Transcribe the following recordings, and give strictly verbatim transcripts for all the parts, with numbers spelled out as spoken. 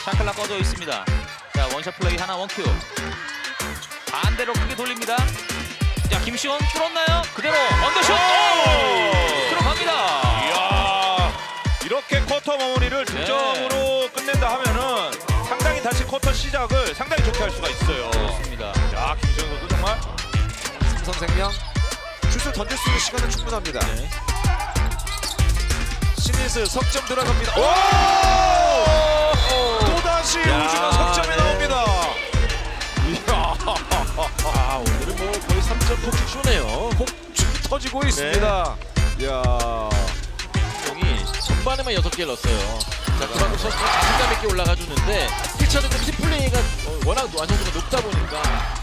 샤클라 꺼져 있습니다. 자, 원샷 플레이 하나 원큐. 반대로 크게 돌립니다. 자, 김시원 뚫었나요? 그대로 언더슛! 오! 들어갑니다. 이야, 이렇게 쿼터 마무리를 득점으로 네. 끝낸다 하면은 상당히 다시 쿼터 시작을 상당히 좋게 할 수가 있어요. 그렇습니다. 야, 김시현 선수 정말 삼성생명 슛을 던질 수 있는 시간은 충분합니다. 네. 신이슬 석점 들어갑니다. 오! 오! 또다시 야, 우주가 석점에 네. 나옵니다. 이야. 아, 오늘은 뭐 거의 삼 점 폭죽 쇼네요. 폭죽이 터지고 있습니다. 이야. 형이 전반에만 여섯 개를 넣었어요. 자, 그만큼 선수가 자신감 있게 올라가 주는데 피처들은 팀 플레이가 어, 워낙 완성도가 높다 보니까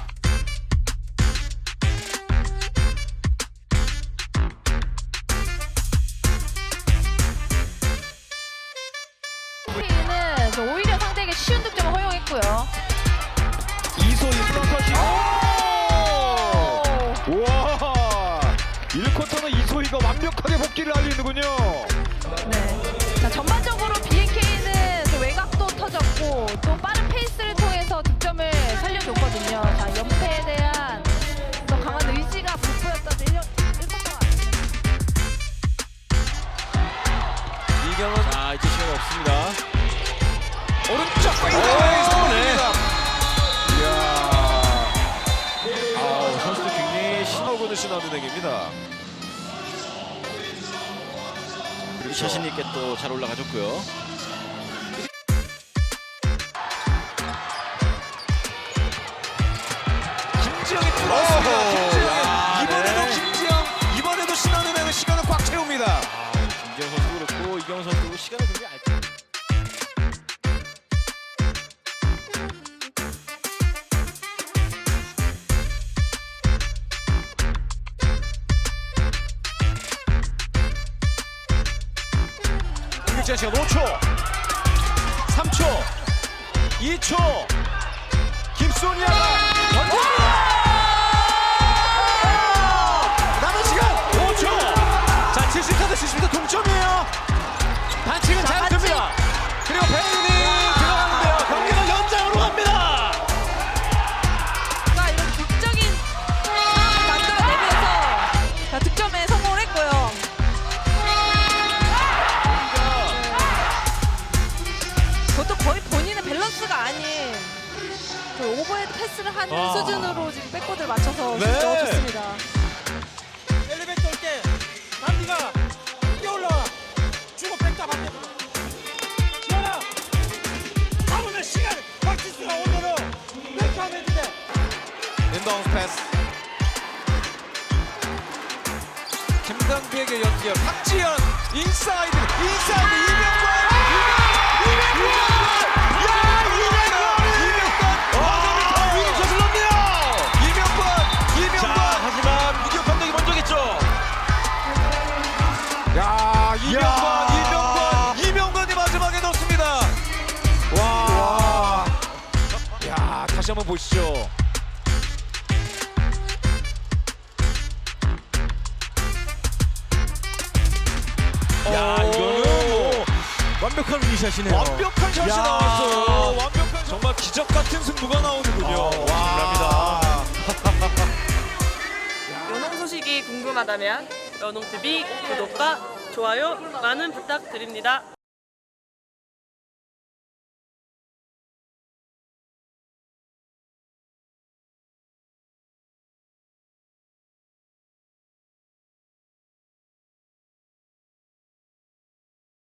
우리는 오히려 상대에게 쉬운 득점을 허용했고요. 이소희 플러터시. 우와. 일 쿼터는 이소희가 완벽하게 복귀를 알리는군요. 네. 자, 전반적으로 비엔케이는 또 외곽도 터졌고 또 빠른 페이스를 통해서 득점을 살려줬거든요. 자, 연패에 대한 또 강한 의지가 돋보였던 일 쿼터 같습니다. 이경은 자, 이제 시간 없습니다. 오른쪽 오, 페이드웨이 네. 성공입니다. 이야. 아우, 선수들 굉장히 신호군을 신호하는 행입니다. 자신 있게 또 잘 올라가줬고요. 김지영이 뚫었습니다. 오호. 김지영. 야, 이번에도 네. 김지영. 이번에도 신호는 행은 시간을 꽉 채웁니다. 아, 김지영 선수도 그렇고 이경원 선수도 시간을 굉장히 알죠. 공격자 시간 오 초, 삼 초, 이 초. 김소니아가 던집니다. 남은 시간 오 초. 자, 칠십사 대 칠십이 동점이에요. 반칙은 잘 듭니다. 그리고 베인이 들어가는데요. 경기가 연장으로 갑니다. 가 이런 극적인 상황을 만들어내면서 자, 득점에 성공을 했고요. 그것도 거의 본인의 밸런스가 아닌 그 오버헤드 패스를 하는 아. 수준으로 지금 백보드를 맞춰서 네. 슛 넣어줬습니다. 엘리베이터 올 때 남디가 뛰어올라와 주고 백다 받게 지현아 잡으면 시간 박지수가 오늘은 이렇게 하면 돼. 인바운드 패스. 김강비에게 연결. 박지현 인사이드 인사이드 이명권. 이명권. 야, 이명권. 이명권. 와, 위기 저질렀네요. 이명권. 이명권. 하지만 이경 감독이 먼저겠죠. 야, 이명권. 야. 이명권. 이명권이 마지막에 넣습니다. 와. 야, 다시 한번 보시죠. 야, 이거는 뭐 완벽한 위샷이네요. 완벽한 샷이 야. 나왔어요. 완벽한 정말 기적 같은 승부가 나오는군요. 와. 연홍 소식이 궁금하다면 연홍티비 구독과 좋아요 많은 부탁드립니다.